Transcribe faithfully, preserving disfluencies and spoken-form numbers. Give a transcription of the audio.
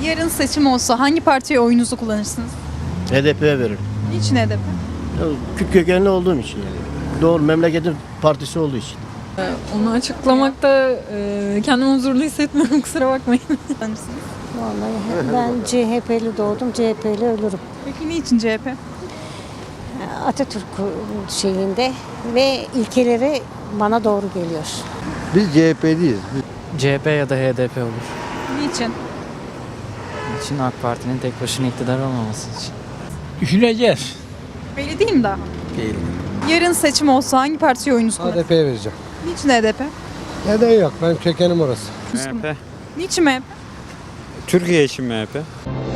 Yarın seçim olsa hangi partiye oyunuzu kullanırsınız? H D P'ye veririm. Niçin H D P? Ya, Kürt kökenli olduğum için yani. Doğru, memleketin partisi olduğu için. Onu açıklamakta e, kendimi huzurlu hissetmiyorum, kusura bakmayın. Kullanırsınız. Vallahi ben C H P'li doğdum, C H P'li ölürüm. Peki niçin C H P? Atatürk şeyinde ve ilkeleri bana doğru geliyor. Biz C H P'liyiz. C H P ya da H D P olur. Niçin? İçin AK Parti'nin tek başına iktidar olmaması için. Düşüneceğiz. Belli değil mi daha? Değil. Yarın seçim olsa hangi partiye oyunuzu kullanırsınız? H D P'ye vereceğim. Niçin H D P? Neden yok? Ben kökenim orası. M H P. Niçin M H P? Türkiye için M H P.